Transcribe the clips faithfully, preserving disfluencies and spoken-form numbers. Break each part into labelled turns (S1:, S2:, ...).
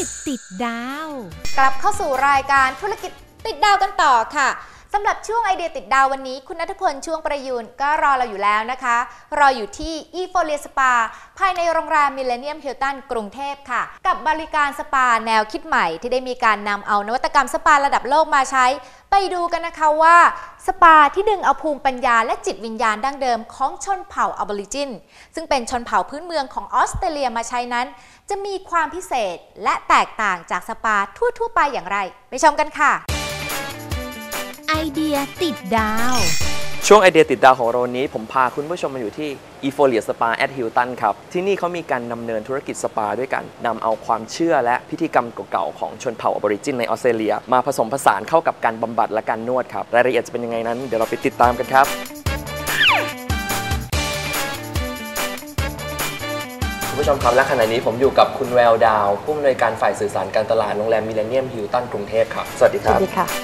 S1: จติดดาว
S2: กลับเข้าสู่รายการธุรกิจติดดาวกันต่อค่ะสำหรับช่วงไอเดียติดดาววันนี้คุณณัฐพลช่วงประยูนก็รอเราอยู่แล้วนะคะรออยู่ที่ อี โฟเรีย สปา ภายในโรงแรมมิลเลนเนียมฮิลตันกรุงเทพค่ะกับบริการสปาแนวคิดใหม่ที่ได้มีการนำเอานวัตกรรมสปาระดับโลกมาใช้ไปดูกันนะคะว่าสปาที่ดึงเอาภูมิปัญญาและจิตวิญญาณดั้งเดิมของชนเผ่าออบอริจินซึ่งเป็นชนเผ่าพื้นเมืองของออสเตรเลียมาใช้นั้นจะมีความพิเศษและแตกต่างจากสปาทั่วๆไปอย่างไรไปชมกันค่ะ
S1: ไอเดียติดดาว
S3: ช่วงไอเดียติดดาวของเราวันนี้ผมพาคุณผู้ชมมาอยู่ที่ อี โฟเรีย สปา แอท ฮิลตัน ครับที่นี่เขามีการดำเนินธุรกิจสปาด้วยกันนำเอาความเชื่อและพิธีกรรมเก่าๆของชนเผ่าออบอริจินในออสเตรเลียมาผสมผสานเข้ากับการบำบัดและการนวดครับรายละเอียดจะเป็นยังไงนั้นเดี๋ยวเราไปติดตามกันครับคุณผู้ชมครับและขณะนี้ผมอยู่กับคุณแววดาวผู้อำนวยการฝ่ายสื่อสารการตลาดโรงแรมมิลเลนเนียมฮิลตันกรุงเทพครับสวัสดีครับ
S4: สวัสดีค่ะ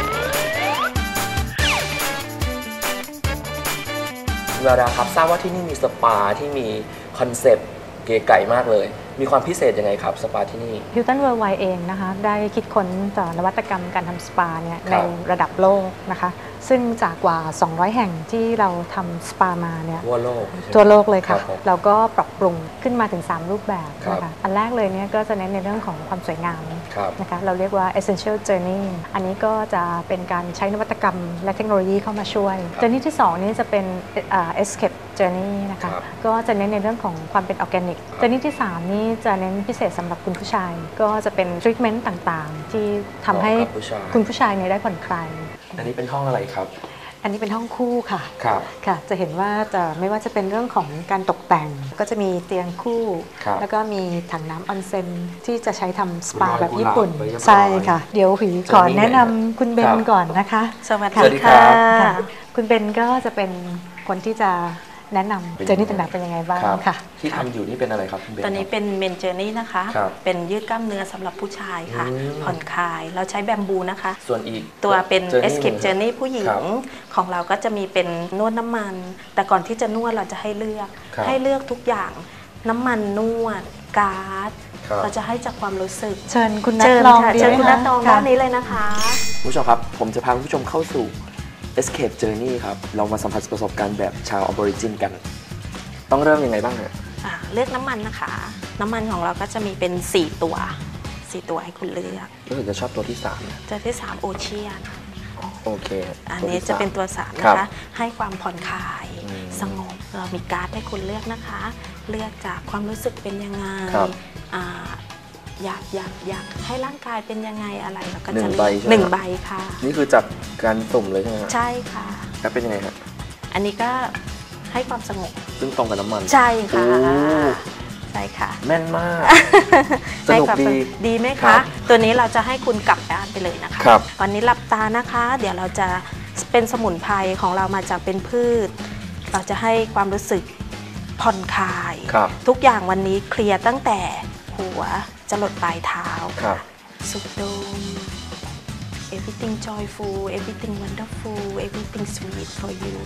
S3: แววดาวครับทราบว่าที่นี่มีสปาที่มีคอนเซปต์เก๋ไก่มากเลยมีความพิเศษยังไงครับสปาที่นี่
S4: Hilton Worldwide เองนะคะได้คิดค้นต่อนวัตกรรมการทำสปาเนี่ยในระดับโลกนะคะซึ่งจากกว่าสองร้อยแห่งที่เราทำสปามาเนี่ย
S3: ทั่วโลก
S4: ทั่วโลกเลยค่ะเราก็ปรับปรุงขึ้นมาถึงสามรูปแบบนะคะอันแรกเลยเนี่ยก็จะเน้นในเรื่องของความสวยงามนะคะเราเรียกว่า essential journey อันนี้ก็จะเป็นการใช้นวัตกรรมและเทคโนโลยีเข้ามาช่วย journey ที่สองนี้จะเป็น escape journey นะคะก็จะเน้นในเรื่องของความเป็นออร์แกนิก journey ที่สามนี้จะเน้นพิเศษสำหรับคุณผู้ชายก็จะเป็น treatment ต่างๆที่ทำให้คุณผู้ชายเนี่ยได้ผ่อนคลาย
S3: อันนี้เป็นห้องอะไรครับ
S4: อันนี้เป็นห้องคู่ค่ะ
S3: ครับ
S4: ค่ะจะเห็นว่าจะไม่ว่าจะเป็นเรื่องของการตกแต่งก็จะมีเตียงคู่แล้วก็มีถังน้ำออนเซ็นที่จะใช้ทำสปาแบบญี่ปุ่นใช่ค่ะเดี๋ยวหุยขอแนะนำคุณเบนก่อนนะคะ
S3: สวัสดีค่ะ
S4: คุณเบนก็จะเป็นคนที่จะแนะนำเจอร์นี่ต่างๆเป็นยังไงบ้างค่ะ
S3: ที่ทำอยู่นี่เป็นอะไรครับคุณเบน
S5: ตอนนี้เป็นเมนเจอร์นี่นะคะเป็นยืดกล้ามเนื้อสำหรับผู้ชายค่ะผ่อนคลายเราใช้แบมบูนะคะ
S3: ส่วนอีก
S5: ตัวเป็น Escape Journey ผู้หญิงของเราก็จะมีเป็นนวดน้ำมันแต่ก่อนที่จะนวดเราจะให้เลือกให้เลือกทุกอย่างน้ำมันนวดการ์ดเราจะให้จากความรู้สึก
S4: เชิญคุณนัทลอง
S5: เชิญคุณนัทลองด้านนี้เลยนะคะ
S3: ผู้ชมครับผมจะพาคุณผู้ชมเข้าสู่Escape Journey ครับเรามาสัมผัสประสบการณ์แบบชาวออบอริจินกันต้องเริ่มยังไงบ้างฮะ
S5: เลือกน้ำมันนะคะน้ำมันของเราก็จะมีเป็นสี่ตัวสี่ตัวให้คุณเลือก
S3: รู้สึกจะชอบตัวที่สาม
S5: ตัวที่สามโอเชียน
S3: โอเค
S5: อันนี้จะเป็นตัวสามนะคะให้ความผ่อนคลายสงบเรามีการ์ดให้คุณเลือกนะคะเลือกจากความรู้สึกเป็นยังไงอยากอยากอยากให้ร่างกายเป็นยังไงอะไรเราก็จะเลือกหนึ่งใบค่ะ
S3: นี่คือจากการสุ่มเลยใช่ไหม
S5: ใช่ค่ะ
S3: แล้วเป็นยังไงครับ
S5: อันนี้ก็ให้ความสงบ
S3: ซึ่งตรงกับน้ำมัน
S5: ใช่ค่ะใช่ค่ะ
S3: แม่นมากสนุกดี
S5: ดีไหมคะตัวนี้เราจะให้คุณกลับบ้านไปเลยนะคะวันนี้หลับตานะคะเดี๋ยวเราจะเป็นสมุนไพรของเรามาจากเป็นพืชเราจะให้ความรู้สึกผ่อนคลายทุกอย่างวันนี้เคลียร์ตั้งแต่หัวจะหลดปลายเท้าสุดโดม everything joyful everything wonderful everything sweet for you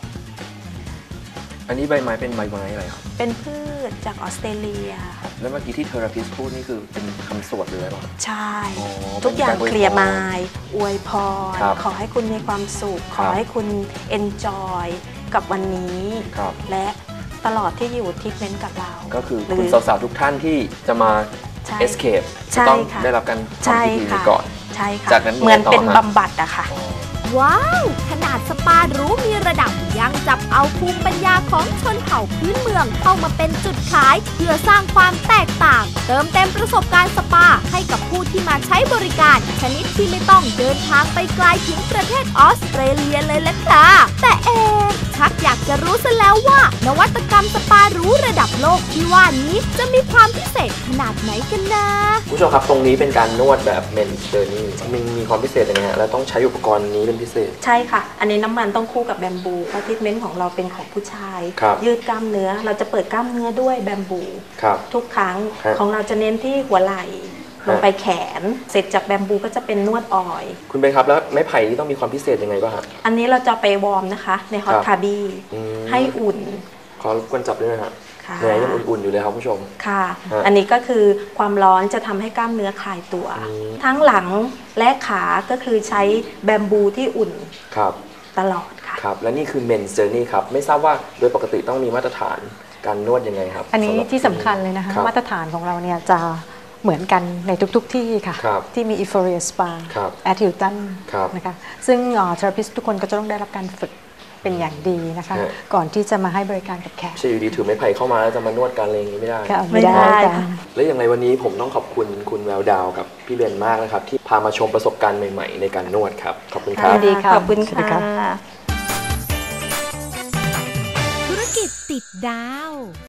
S3: อันนี้ใบไม้เป็นใบไม้อะไรครับ
S5: เป็นพืชจากออสเตรเลีย
S3: แล้วเมื่อกี้ที่เทอราพิสพูดนี่คือเป็นคำสวดเลยหรือเปล่า
S5: ใช่ทุกอย่างเคลียร์มายอวยพรขอให้คุณมีความสุขขอให้คุณ enjoy กับวันนี้และตลอดที่อยู่ทรีทเมนต์กับเรา
S3: ก็คือคุณสาวๆทุกท่านที่จะมา escape จะต้องได้รับการทำพิธีนี้ก่อน
S5: ใช่ค่ะจากนั้นเหมือนเป็นบำบัดอะค่ะ
S1: ว้าวขนาดสปาหรูมีระดับยังจับเอาภูมิปัญญาของชนเผ่าพื้นเมืองเข้ามาเป็นจุดขายเพื่อสร้างความแตกต่างเติมเต็มประสบการณ์สปาให้กับผู้ที่มาใช้บริการชนิดที่ไม่ต้องเดินทางไปไกลถึงประเทศออสเตรเลียเลยล่ะค่ะแต่เอ๊ะชักอยากจะรู้ซะแล้วว่านวัตกรรมสปาหรูระดับโลกที่ว่านี้จะมีความพิเศษขนาดไหนกันนะ
S3: ผู้ชมครับตรงนี้เป็นการนวดแบบเมนเจอร์นี่มันมีความพิเศษยังไงฮะแล้วต้องใช้อุปกรณ์นี้เป็นพิเศษ
S5: ใช่ค่ะอันนี้น้ำมันต้องคู่กับแบมบูเพราะทรีทเมนต์ของเราเป็นของผู้ชายยืดกล้ามเนื้อเราจะเปิดกล้ามเนื้อด้วยแบมบูทุกครั้งของเราจะเน้นที่หัวไหล่ลงไปแขนเสร็จจากแบมบูก็จะเป็นนวดออย
S3: คุณเบนครับแล้วไม้ไผ่ที่ต้องมีความพิเศษยังไงบ้างครับ
S5: อันนี้เราจะไปวอร์มนะคะในฮอตคาร์บี้ให้อุ่น
S3: ขอรบกวนจับด้วยนะครับแผลยังอุ่นๆอยู่เลยครับผู้ชม
S5: ค่ะอันนี้ก็คือความร้อนจะทำให้กล้ามเนื้อคลายตัวทั้งหลังและขาก็คือใช้แบมบูที่อุ่น
S3: ครับ
S5: ตลอดค่ะ
S3: ครับและนี่คือ Men's Journey ครับไม่ทราบว่าโดยปกติต้องมีมาตรฐานการนวดยังไงครับ
S4: อันนี้ที่สำคัญเลยนะคะมาตรฐานของเราเนี่ยจะเหมือนกันในทุกๆที่ค่ะที่มี Euphoria Spa at Hilton นะคะซึ่งเทอราพิสทุกคนก็จะต้องได้รับการฝึกเป็นอย่างดีนะคะก่อนที่จะมาให้บริการกับแขก
S3: ใช่อยู่ดีถือไม้ไผ่เข้ามาแล้วจะมานวดกันอะไรอย่างนี้ไม่ได้
S4: ไม่ได้ค่ะ
S3: และอย่างไรวันนี้ผมต้องขอบคุณคุณแววดาวกับพี่เบนมากนะครับที่พามาชมประสบการณ์ใหม่ๆในการนวดครับขอบคุณครับ
S5: ดีค่ะขอบคุณค่ะ
S1: ธุรกิจติดดาว